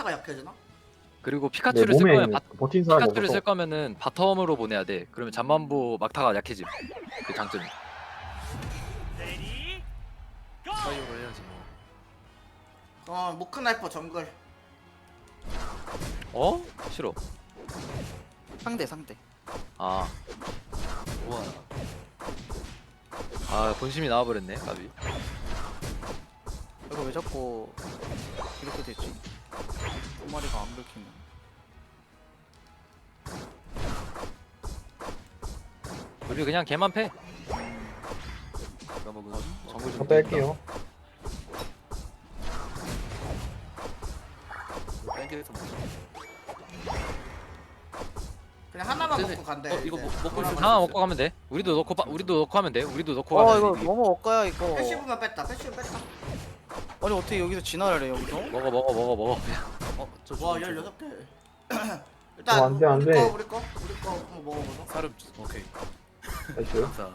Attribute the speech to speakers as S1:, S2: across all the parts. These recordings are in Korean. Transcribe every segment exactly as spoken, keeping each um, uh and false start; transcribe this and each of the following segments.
S1: 하나가 약해지나?
S2: 그리고
S3: 내
S2: 피카츄를 쓸
S3: 몸에
S2: 거면
S3: 있는
S2: 바,
S3: 버틴 사람이
S2: 피카츄를
S3: 없어서
S2: 쓸 거면은 바텀으로 보내야 돼. 그러면 잠만보 막타가 약해짐. 그 장점이.
S4: 사이오로 해야지 뭐.
S1: 어 모크나이퍼 정글.
S2: 어? 싫어.
S5: 상대 상대.
S2: 아,
S4: 우와.
S2: 아 본심이 나와버렸네. 까비.
S5: 이거 왜 자꾸 이렇게 되지? 두 마리가 안 긁히네.
S2: 우리 그냥 걔만 패.
S4: 내가 먹은
S2: 정글
S3: 저
S2: 좀
S3: 뺄게요.
S4: 땡겨서 먹자.
S1: 그냥 하나만
S4: 쟤네-
S1: 먹고 간대.
S4: 어, 이거
S1: 이제.
S4: 뭐- 먹고 있어.
S2: 하나 먹고 가면 돼. 우리도 넣고 바, 우리도 넣고 하면 돼. 우리도 넣고
S5: 아
S2: 가면
S5: 이거
S2: 돼.
S5: 너무 억가야 이거.
S1: 패시브만 뺐다. 패시브 뺐다.
S5: 아니 어떻게 여기서 진화를 해 여기서?
S2: 먹어 먹어 먹어 먹어. 그냥.
S4: 어, 저
S1: 와
S4: 저거,
S1: 열여섯 개.
S3: 어,
S1: 일단
S3: 안 돼, 안
S1: 우리
S3: 돼.
S1: 거 우리 거 우리 거 한번 먹어보자.
S4: 저거. 사름. 오케이.
S3: 나이스.
S4: 자.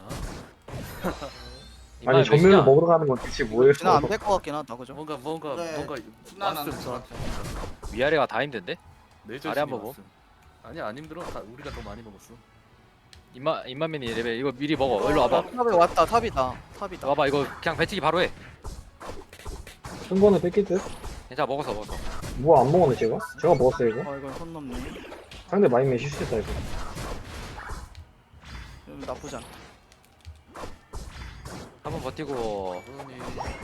S2: 이만
S3: 아니
S2: 몇
S3: 전면을
S2: 시냐?
S3: 먹으러 가는 건 대체 뭐예요?
S5: 진화 안 뺄 것 같긴 하다 그죠?
S4: 뭔가 뭔가
S1: 네.
S4: 뭔가
S1: 순환 안
S4: 왔음
S1: 될
S4: 저한테.
S2: 위아래가 다 힘든데?
S4: 내절
S2: 아래 한번
S4: 왔음. 아니 안 힘들어. 다 우리가 더 많이 먹었어.
S2: 입마 입만맨이 레벨 이거 미리 먹어. 일로 와봐.
S5: 탑에 왔다 탑이다 탑이다.
S2: 와봐 이거 그냥 배치기 바로 해.
S3: 한 번에 뺏길 듯?
S2: 괜찮아 먹었어 먹었어.
S3: 뭐 안 먹었네 제가? 제가 먹었어요 이거?
S5: 아 이건 선 넘네.
S3: 상대 마인맨 실수했다 이거.
S5: 음, 나쁘지 않다.
S2: 한번 버티고.
S4: 그러니.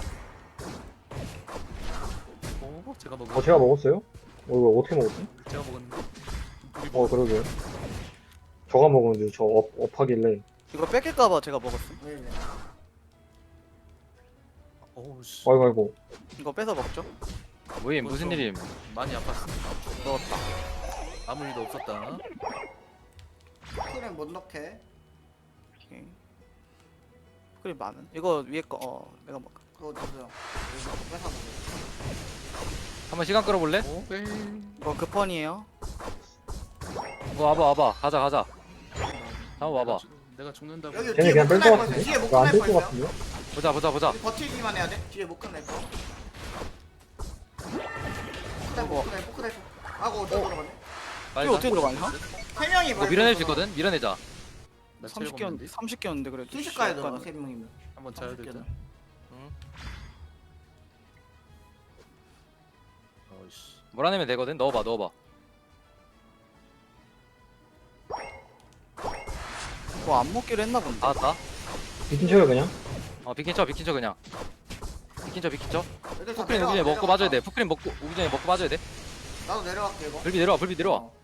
S4: 어, 제가 먹은.
S3: 어 제가 먹었어요? 어 이거 어떻게 먹었지?
S4: 제가 먹었는데. 우리
S3: 어
S4: 먹.
S3: 그러게요. 저가 먹었는데 저 업, 업하길래
S5: 이거 뺏길까봐 제가 먹었음.
S1: 왜 이래?
S4: 어우 씨.
S3: 아이고 아이고
S5: 이거 뺏어 먹죠?
S2: 뭐임 무슨 일임?
S4: 많이 아팠어.
S5: 넣었다.
S4: 아무 일도 없었다.
S1: 그냥 못 넣게.
S5: 오케이. 그래 많은. 이거 위에 거 어 내가 먹.
S1: 그거 주세요. 이거 뺏어 먹어.
S2: 한번 시간 끌어볼래?
S4: 오, 네.
S5: 이거 급펀이에요.
S2: 이거 와봐 와봐 가자 가자. 한번 와봐.
S4: 내가, 죽- 내가 죽는다고.
S1: 여기
S3: 쟤네
S1: 뒤에
S3: 그냥 뺄 것
S1: 모크나이퍼 있어.
S3: 같은데?
S1: 뒤에
S3: 이거 안 뺄
S1: 모크나이퍼
S3: 것
S1: 있어요.
S3: 같은데?
S2: 보자 보자 보자.
S1: 우리 버티기만 해야 돼. 뒤에 모크나이퍼. 모크나이퍼 모크나이퍼 모크나이퍼. 아고 어디 들어가네.
S2: 빨리
S5: 이거
S2: 가.
S5: 어떻게 들어가냐?
S1: 세 명이
S2: 이거 밀어낼 수 있거든. 밀어내자.
S4: 나
S5: 삼십
S4: 체력
S5: 개였
S4: 없는데.
S5: 삼십 개였는데 그래도.
S1: 순식간에
S5: 약간-
S1: 들어가 세 명이면.
S4: 한번 자야 되자.
S1: 삼십
S4: 어이씨.
S2: 몰아내면 되거든. 넣어봐 넣어봐.
S5: 그거 안 먹기로 했나 본데.
S2: 나왔다.
S3: 비킨 쳐요 그냥?
S2: 어 비킨 쳐 비킨 쳐 그냥. 비킨 쳐 비킨 쳐.
S1: 애들 다
S2: 푸크린
S1: 내려와,
S2: 오기 전에 먹고
S1: 내려와.
S2: 빠져야 돼. 푸크린 먹고 오기 전에 먹고 빠져야 돼.
S1: 나도 내려갈게 이거.
S2: 불비 내려와 불비 내려와.
S1: 어.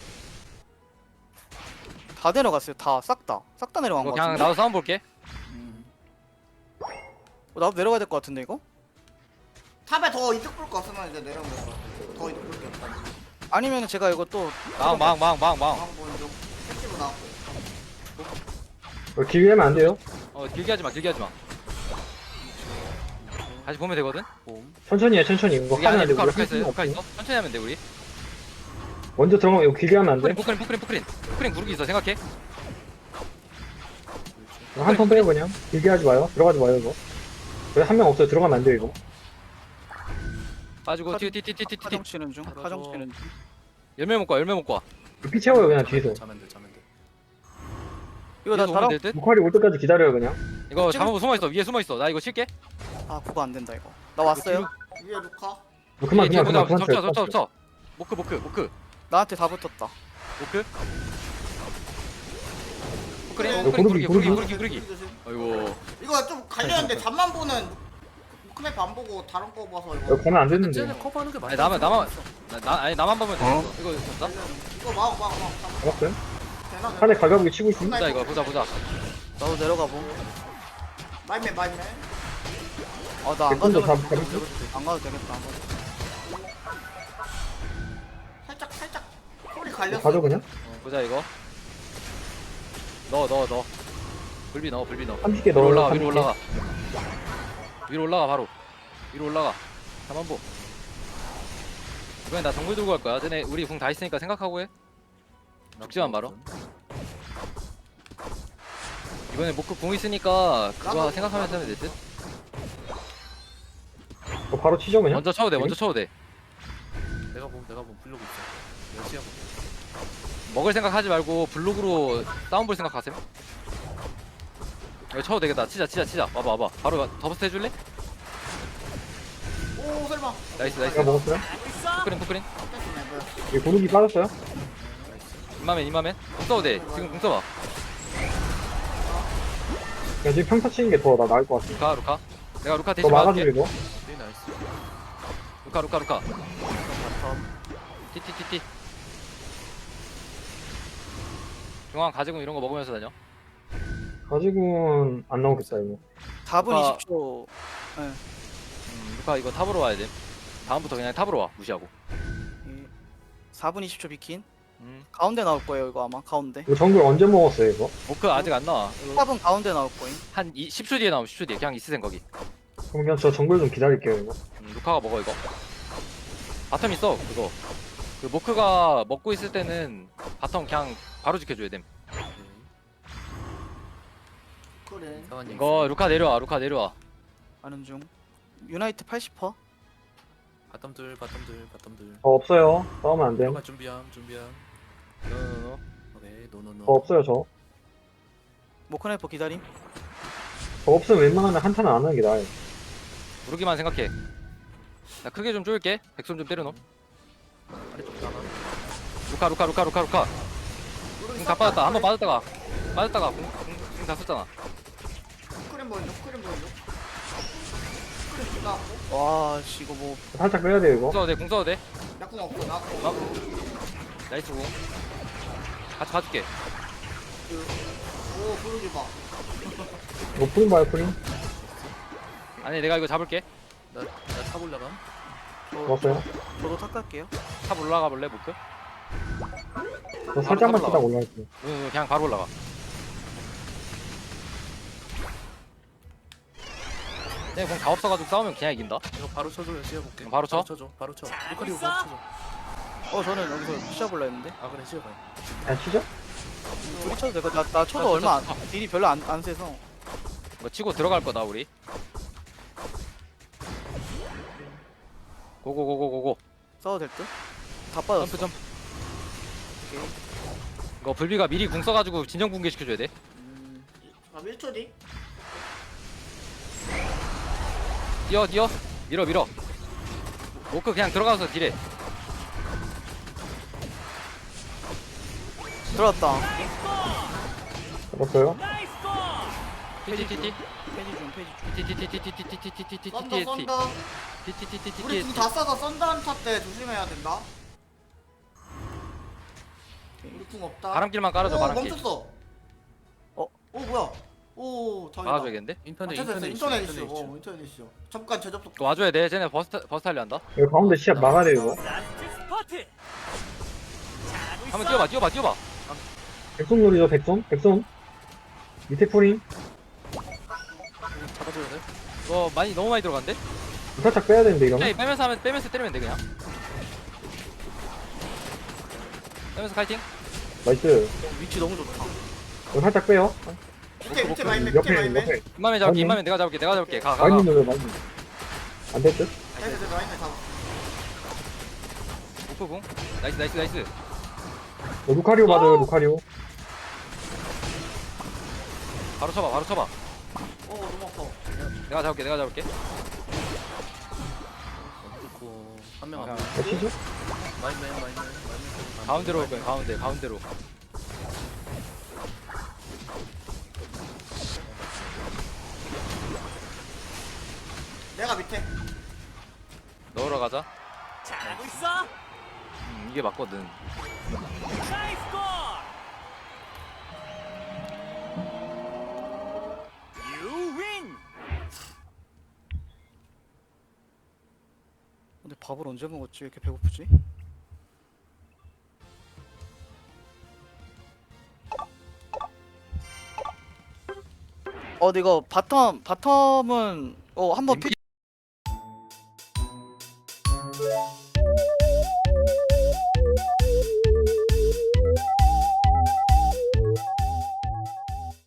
S5: 다 내려갔어요. 다 싹 다. 싹 다 내려간
S2: 이거
S5: 거
S2: 그냥
S5: 같은데.
S2: 나도 싸움 볼게.
S1: 음.
S5: 어, 나도 내려가야 될 것 같은데 이거?
S1: 탑에 더 이득 볼 거 없으면 이제 내려오면 될것 같아. 더 이득 볼게 없다.
S5: 아니면 제가 이거 또
S2: 망망망망망.
S1: 한번 좀 패시브 나왔고.
S3: 어, 길게 하면 안 돼요?
S2: 어 길게 하지 마 길게 하지 마. 다시 보면 되거든.
S4: 봄.
S3: 천천히 해 천천히 이거
S2: 여기 안에
S3: 하면 안 돼.
S2: 루카
S3: 우리
S2: 루카 있어
S3: 할
S2: 루카
S3: 수는
S2: 있어. 천천히 하면 돼 우리.
S3: 먼저 들어가면 이거 길게 하면 안 돼?
S2: 푸크린 푸크린 푸크린 푸크린 푸크린 구르기 있어 생각해.
S3: 한 턴 빼요 그냥. 길게 하지 마요. 들어가지 마요 이거. 여기 한 명 없어요. 들어가면 안 돼요 이거.
S2: 빠지고
S5: 카-
S2: 튀튀튀튀튀.
S5: 하정 치는 중. 하정 치는 중.
S2: 열매 먹고 와, 열매 먹고 와.
S3: 피 채워요 그냥 뒤에서.
S4: 자면 돼, 자면 돼.
S5: 이거 나
S2: 위에서 오면
S5: 다랑
S2: 될 듯?
S3: 무칼이 올 때까지 기다려요 그냥.
S2: 이거
S5: 찍을-
S2: 잠깐만 숨어 있어 위에 숨어 있어. 나 이거 칠게.
S5: 아 그거 안 된다 이거. 나 왔어요.
S1: 위에 루카.
S3: 뭐 그만
S2: 뒤에
S3: 그만 그만 그만
S2: 보자.
S3: 쳐요.
S2: 접쳐 접쳐
S3: 그만 쳐요.
S2: 접쳐. 모크 모크 모크
S5: 나한테 다 붙었다.
S2: 모크. 푸크린
S1: 어,
S2: 푸크린 구르기
S3: 고르기,
S2: 구르기
S3: 고르기.
S2: 구르기 구르기. 아이고.
S1: 이거 좀 갈렸는데 잠만 보는 모크나이퍼 안 보고 다른 거 봐서 이거.
S3: 여기 가면 안
S4: 쟤네
S3: 됐는데.
S4: 커버하는 게 많이.
S2: 아니 나만 나만 나, 나 아니 나만 보면 돼.
S5: 어?
S2: 이거 됐다.
S1: 이거 막 막 막.
S3: 잡았어요?
S1: 되나?
S3: 산에 갈가보기 치고 있음.
S2: 보자 이거 보자 보자.
S5: 나도 내려가 봄.
S1: 마이맨 마이맨.
S5: 아나 안
S3: 백분도
S5: 가도
S3: 다 잡았어.
S5: 안 가도 되겠다. 안 가도.
S1: 살짝 살짝 소리 갈렸어.
S3: 가죠 그냥.
S2: 보자 이거. 넣어 넣어 넣어. 불비 넣어 불비 넣어.
S3: 삼십 개
S2: 위로
S3: 넣어요.
S2: 올라가
S3: 삼십
S2: 위로
S3: 개.
S2: 올라가. 위로 올라가 바로. 위로 올라가. 잠만보. 이번엔 나 정글 들고 갈 거야. 쟤네 우리 궁 다 있으니까 생각하고 해. 죽지만 말어. 이번에 모크 궁 있으니까 그거
S1: 나도-
S2: 생각하면서 하면 될 듯.
S3: 어, 바로 치죠 그냥.
S2: 먼저 쳐도 돼. 먼저 쳐도 돼.
S4: 내가 내가 뭐 내가 뭐 블로그 있어. 열심히 하고.
S2: 먹을 생각하지 말고 블록으로 다운 볼 생각하세요. 이거 쳐도 되겠다. 치자 치자 치자. 와봐 와봐. 바로 더버스트 해줄래?
S1: 오 설마.
S2: 나이스
S3: 제가
S2: 나이스.
S3: 먹었어요?
S2: 푸크린 푸크린.
S1: 됐네 뭐야.
S3: 이 고르기 빠졌어요?
S2: 이마맨 이마맨. 궁 써도 돼. 지금 궁 써봐.
S3: 그냥 지금 평타 치는 게 더 나을 것 같아.
S2: 루카 루카. 내가 루카
S3: 더
S2: 대신
S3: 막아줘,
S2: 막아줄게.
S3: 이거.
S4: 네 나이스.
S2: 루카 루카 루카.
S5: 바텀.
S2: 티티티티. 중앙 가지고 이런 거 먹으면서 다녀.
S3: 가지고는 안 나오겠다, 이거.
S5: 사 분
S2: 아까-
S5: 이십 초.
S2: 음, 루카 이거 탑으로 와야 돼. 다음부터 그냥 탑으로 와. 무시하고.
S5: 예. 사 분 이십 초 비킨.
S2: 음.
S5: 가운데 나올 거예요 이거 아마 가운데.
S3: 이거 정글 언제 먹었어요, 이거?
S2: 모크 아직 안 나와. 이거
S5: 사 분 가운데 나올 거임.
S2: 한 이, 십 초 뒤에 나오면 십 초 뒤에 그냥 있으셈 거기.
S3: 그럼 그냥 저 정글 좀 기다릴게요, 이거.
S2: 음, 루카가 먹어 이거. 바텀 있어 그거. 그 모크가 먹고 있을 때는 바텀 그냥 바로 지켜줘야 됨.
S4: 오케이.
S1: 그래.
S4: 이상한 얘기.
S2: 이거 루카 내려와 루카 내려와.
S5: 아는 중. 유나이트 팔십 퍼센트.
S4: 바텀들 바텀들 바텀들.
S3: 저 없어요. 싸우면 안 돼.
S4: 들어가 준비함 준비함.
S2: 노노노.
S4: 오케이 노노노.
S3: 저 없어요, 저.
S5: 모크네퍼 기다림.
S3: 저 없으면 웬만하면 한타는 안 하는 게 나아요.
S2: 부르기만 생각해. 나 크게 좀 쪼일게. 백손 좀 때려놓.
S4: 아래쪽 나가.
S2: 루카 루카 루카 루카 루카. 궁다 빠졌다. 한번 빠졌다가 빠졌다가 궁다 썼잖아.
S1: 크림 보여줘. 크림 보여줘. 크림 나
S5: 와, 씨 이거 뭐
S3: 살짝 빼야 돼요,
S2: 궁
S3: 이거.
S2: 써도 돼. 궁 써도 돼.
S1: 약국 없어. 나
S2: 어? 나이스 궁. 같이 봐줄게.
S1: 오 부르기 봐.
S3: 이거 프린 봐요, 프린.
S2: 아니 내가 이거 잡을게.
S4: 나나 탑 올라감.
S3: 먹었어요.
S5: 저도 탁 갈게요.
S2: 탑 올라가 볼래 모크?
S3: 저 살짝만
S2: 올라가.
S3: 치다 올라갈게요.
S2: 응 그냥 바로 올라가. 내가 궁 다 없어가지고 싸우면 그냥 이긴다.
S4: 이거 바로 쳐줘 열심히 해볼게.
S2: 어, 바로 쳐?
S4: 쳐줘. 바로 쳐. 루카리오 바로 쳐줘.
S5: 어 저는 여기서 시작올라 했는데.
S4: 아 그래 시작해.
S3: 그냥 치죠?
S5: 둘이 쳐도 되고 나, 나 쳐도
S2: 아,
S5: 얼마 안,
S2: 진짜.
S5: 딜이 별로 안, 안 세서.
S2: 이거 치고 들어갈 거다 우리. 고고고고고고.
S5: 싸워도 될 듯? 다 빠졌어.
S2: 점프 점프.
S5: 오케이.
S2: 이거 불비가 미리 궁 써가지고 진정 붕괴 시켜줘야 돼.
S5: 음,
S1: 아 일 초 뒤.
S2: 뛰어 뛰어. 밀어 밀어. 모크 그냥 들어가서 딜해.
S5: 들어왔다.
S3: 잡았어요?
S2: 티티티티.
S5: 페이지 중 페이지 중.
S2: 티티티티티티티티티티티티티.
S1: 썬더 썬더. 우리
S2: 티티티티티티.
S1: 궁 다 써서 썬더 한타 때 조심해야 된다. 우리 궁 없다.
S2: 바람길만 깔아줘
S1: 오,
S2: 바람길.
S1: 멈췄어.
S5: 어?
S1: 오 뭐야? 오 다행이다.
S2: 막아줘야겠는데?
S1: 아,
S4: 인터넷
S1: 됐어, 됐어.
S4: 인터넷
S1: 인터넷
S4: 이슈,
S1: 이슈. 어 인터넷 이슈. 잠깐 재접속.
S2: 이거 와줘야 돼. 쟤네 버스트 버스트 하려 한다.
S3: 여기 가운데 시합 막아야 돼요, 이거.
S2: 한번 뛰어봐 뛰어봐 뛰어봐.
S3: 백손 놀이죠, 백손? 백손? 밑에 프린?
S4: 잡아줘야 돼.
S2: 이거 많이 너무 많이 들어간대?
S3: 살짝 빼야 되는데, 이러면?
S2: 그냥 빼면서 하면 빼면서 때리면 돼 그냥. 빼면서 카이팅.
S3: 나이스.
S5: 위치 너무 좋다.
S3: 이거 살짝 빼요.
S1: 밑에 밑에 마인맨 밑에
S3: 옆에,
S1: 마인맨.
S3: 옆에.
S2: 이마면 잡을게
S3: 아니.
S2: 이마면 내가 잡을게 내가 잡을게 가 가가.
S3: 많이 눌러요, 많이. 안 됐죠?
S1: 됐어 됐어 마인맨 잡아.
S2: 오프궁. 나이스 나이스 나이스.
S3: 어, 루카리오 맞아요, 루카리오.
S2: 바로 쳐봐 바로 쳐봐.
S1: 오 너무 아파.
S2: 내가 잡을게 내가 잡을게.
S4: 너무 좋고 한 명
S2: 아,
S4: 안.
S3: 어, 치죠?
S4: 마인맨 마인맨 마인맨.
S2: 가운데로 올 거야 가운데 가운데로.
S1: 내가 밑에.
S2: 넣으러 가자.
S6: 잘하고 있어.
S2: 음, 이게 맞거든.
S6: 나이스 골. You win.
S5: 근데 밥을 언제 먹었지? 왜 이렇게 배고프지? 어, 근데 이거 바텀 바텀은 어 한번
S2: 인비